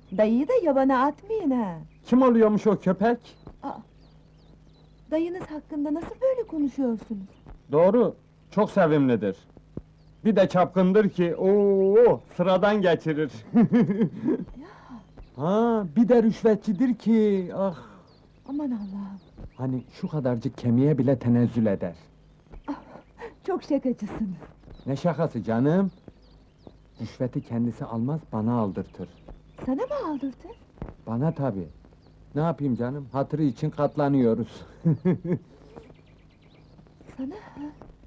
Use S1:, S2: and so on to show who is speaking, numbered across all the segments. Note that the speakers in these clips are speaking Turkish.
S1: Dayıyı da yabana atmayın ha!
S2: Kim oluyormuş o köpek?
S1: Dayınız hakkında nasıl böyle konuşuyorsunuz?
S2: Doğru, çok sevimlidir. Bir de çapkındır ki, sıradan geçirir. Ha, bir de rüşvetçidir ki, ah!
S1: Aman Allah'ım!
S2: Hani şu kadarcık kemiğe bile tenezzül eder.
S1: Çok şakacısınız!
S2: Ne şakası canım? Rüşveti kendisi almaz, bana aldırtır.
S1: Sana mı aldırtır?
S2: Bana tabii. Ne yapayım canım, hatırı için katlanıyoruz.
S1: Sana ha?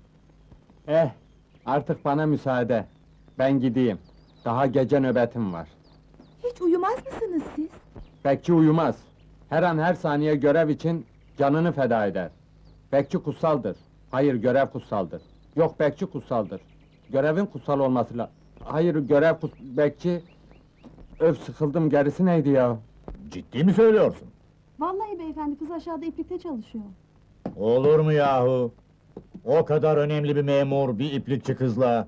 S2: Artık bana müsaade. Ben gideyim. Daha gece nöbetim var.
S1: Hiç uyumaz mısınız siz?
S2: Bekçi uyumaz. Her an her saniye görev için canını feda eder. Bekçi kutsaldır. Hayır, görev kutsaldır. Yok, bekçi kutsaldır. Görevin kutsal olması Hayır, bekçi... Öf, sıkıldım, gerisi neydi ya?
S3: Ciddi mi söylüyorsun?
S4: Vallahi beyefendi, kız aşağıda iplikte çalışıyor.
S3: Olur mu yahu? O kadar önemli bir memur, bir iplikçi kızla...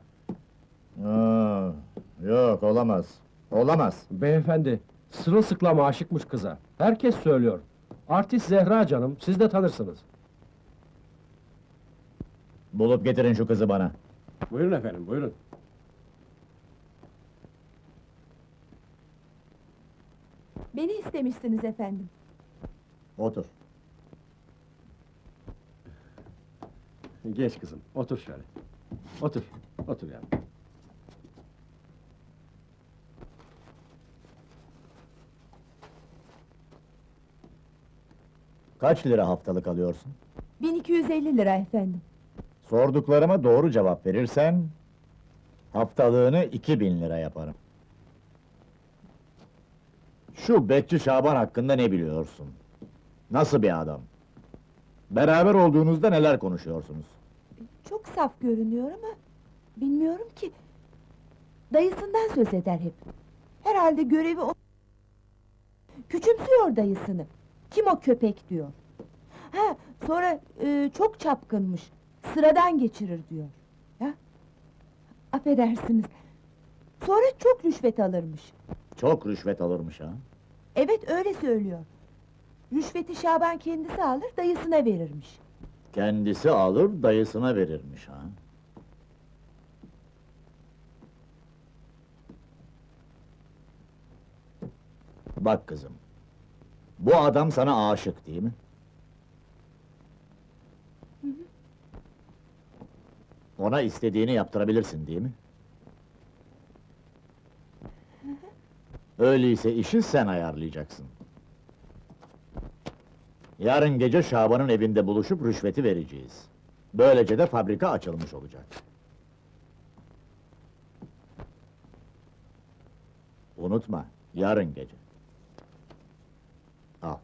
S3: Yok, olamaz. Olamaz.
S5: Beyefendi, sırılsıklam aşıkmış kıza. Herkes söylüyor. Artist Zehra canım, siz de tanırsınız.
S3: Bulup getirin şu kızı bana.
S5: Buyurun efendim, buyurun.
S1: Beni istemişsiniz efendim.
S3: Otur.
S5: Geç kızım, otur şöyle. Otur, otur ya.
S3: Kaç lira haftalık alıyorsun?
S1: 1250 lira efendim.
S3: Sorduklarıma doğru cevap verirsen... ...haftalığını 2000 lira yaparım. Şu Bekçi Şaban hakkında ne biliyorsun? Nasıl bir adam? Beraber olduğunuzda neler konuşuyorsunuz?
S1: Çok saf görünüyor ama... Bilmiyorum ki... Dayısından söz eder hep. Herhalde görevi o... Küçümsüyor dayısını. Kim o köpek diyor. Ha, sonra çok çapkınmış. Sıradan geçirir diyor. Ya? Affedersiniz. Sonra çok rüşvet alırmış.
S3: Çok rüşvet alırmış ha?
S1: Evet, öyle söylüyor. Rüşveti Şaban kendisi alır, dayısına verirmiş.
S3: Kendisi alır, dayısına verirmiş ha? Bak kızım, bu adam sana aşık değil mi? Ona istediğini yaptırabilirsin değil mi? Öyleyse işi sen ayarlayacaksın. Yarın gece Şaban'ın evinde buluşup rüşveti vereceğiz. Böylece de fabrika açılmış olacak. Unutma, yarın gece. Al.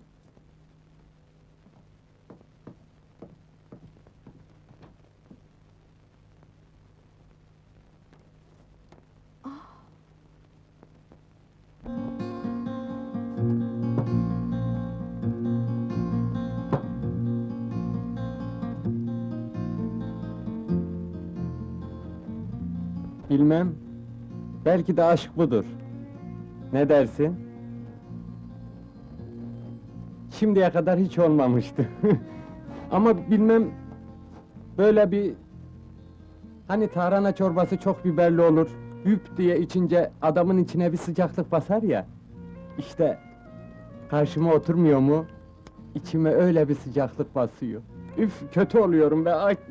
S2: Bilmem. Belki de aşk budur. Ne dersin? Şimdiye kadar hiç olmamıştı. Ama bilmem... Böyle bir... Hani tarhana çorbası çok biberli olur, hüp diye içince adamın içine bir sıcaklık basar ya... İşte... Karşıma oturmuyor mu? İçime öyle bir sıcaklık basıyor. Üf, kötü oluyorum be, ay!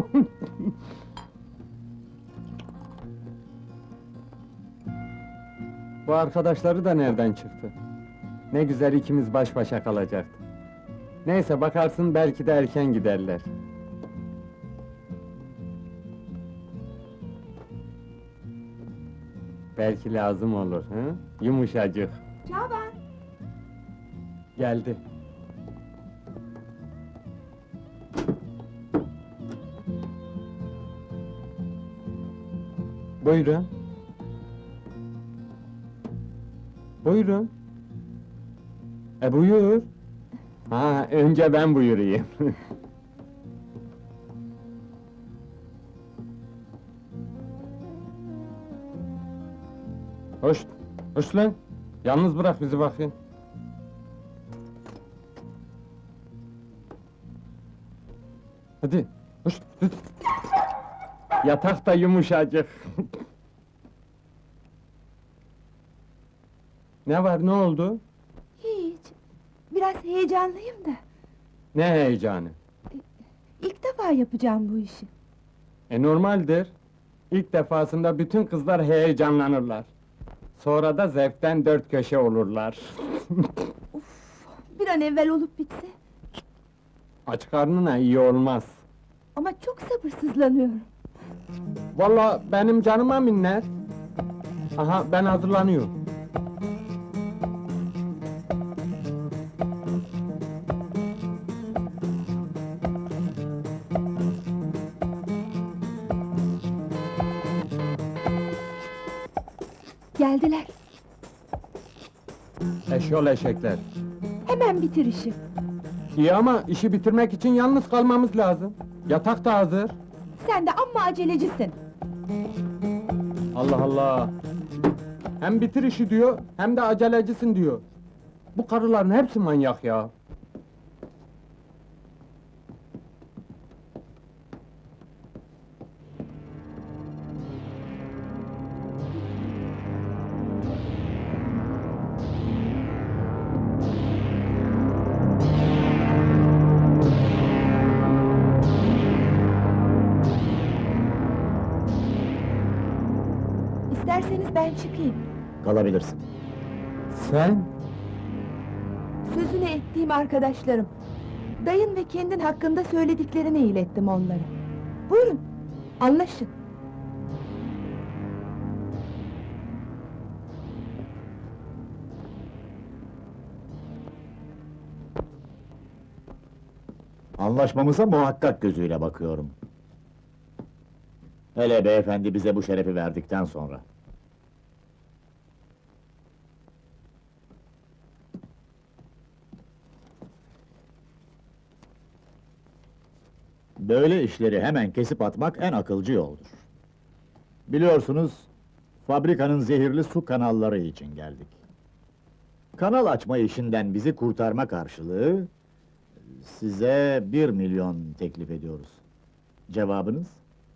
S2: Bu arkadaşları da nereden çıktı? Ne güzel ikimiz baş başa kalacaktık. Neyse, bakarsın belki de erken giderler. Belki lazım olur, hı? Yumuşacık.
S1: Şaban!
S2: Geldi. Buyurun. Buyurun. Buyur. Ha, önce ben buyurayım. Hoş, hoş lan. Yalnız bırak bizi bakayım. Hadi, hoş, hadi. Yatak da yumuşacık. Ne var, ne oldu?
S1: Hiç. Biraz heyecanlıyım da.
S2: Ne heyecanı?
S1: İlk defa yapacağım bu işi.
S2: Normaldir. İlk defasında bütün kızlar heyecanlanırlar. Sonra da zevkten dört köşe olurlar.
S1: Bir an evvel olup bitse.
S2: Aç karnına iyi olmaz.
S1: Ama çok sabırsızlanıyorum.
S2: Vallahi benim canıma minnet. Aha, ben hazırlanıyorum.
S1: Geldiler.
S2: Eşyol eşekler.
S1: Hemen bitir işi.
S2: İyi ama işi bitirmek için yalnız kalmamız lazım. Yatak da hazır.
S1: Sen de amma acelecisin.
S2: Allah Allah! Hem bitir işi diyor, hem de acelecisin diyor. Bu karıların hepsi manyak ya.
S1: İsterseniz ben çıkayım.
S3: Kalabilirsin.
S2: Sen?
S1: Sözünü ettiğim arkadaşlarım. Dayın ve kendin hakkında söylediklerini ilettim onlara. Buyurun, anlaşın.
S3: Anlaşmamıza muhakkak gözüyle bakıyorum. Hele beyefendi bize bu şerefi verdikten sonra. Böyle işleri hemen kesip atmak en akılcı yoldur. Biliyorsunuz, fabrikanın zehirli su kanalları için geldik. Kanal açma işinden bizi kurtarma karşılığı, size 1 milyon teklif ediyoruz. Cevabınız?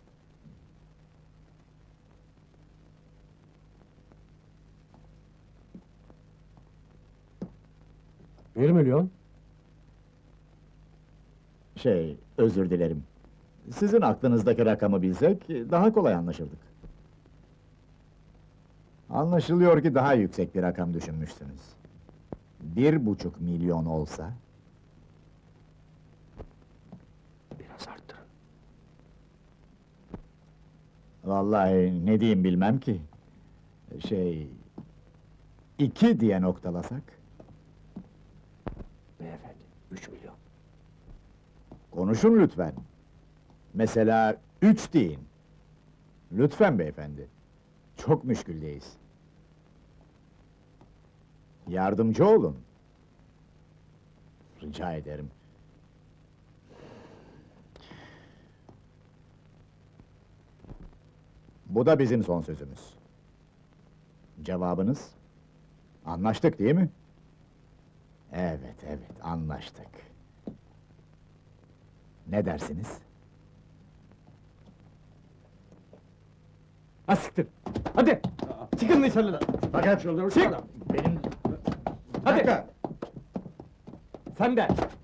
S5: 1 milyon?
S3: Özür dilerim. Sizin aklınızdaki rakamı bilsek, daha kolay anlaşırdık. Anlaşılıyor ki daha yüksek bir rakam düşünmüşsünüz. 1,5 milyon olsa...
S5: Biraz arttırın.
S3: Vallahi ne diyeyim bilmem ki. 2 diye noktalasak?
S5: Beyefendi, 3 milyon.
S3: Konuşun lütfen. Mesela 3 deyin. Lütfen beyefendi. Çok müşküldeyiz. Yardımcı olun. Rica ederim. Bu da bizim son sözümüz. Cevabınız? Anlaştık değil mi? Evet, anlaştık. Ne dersiniz?
S2: Ha siktir! Hadi! Çıkın dışarıda!
S3: Fakat
S2: Çık!
S3: benim...
S2: Hadi! Sen de!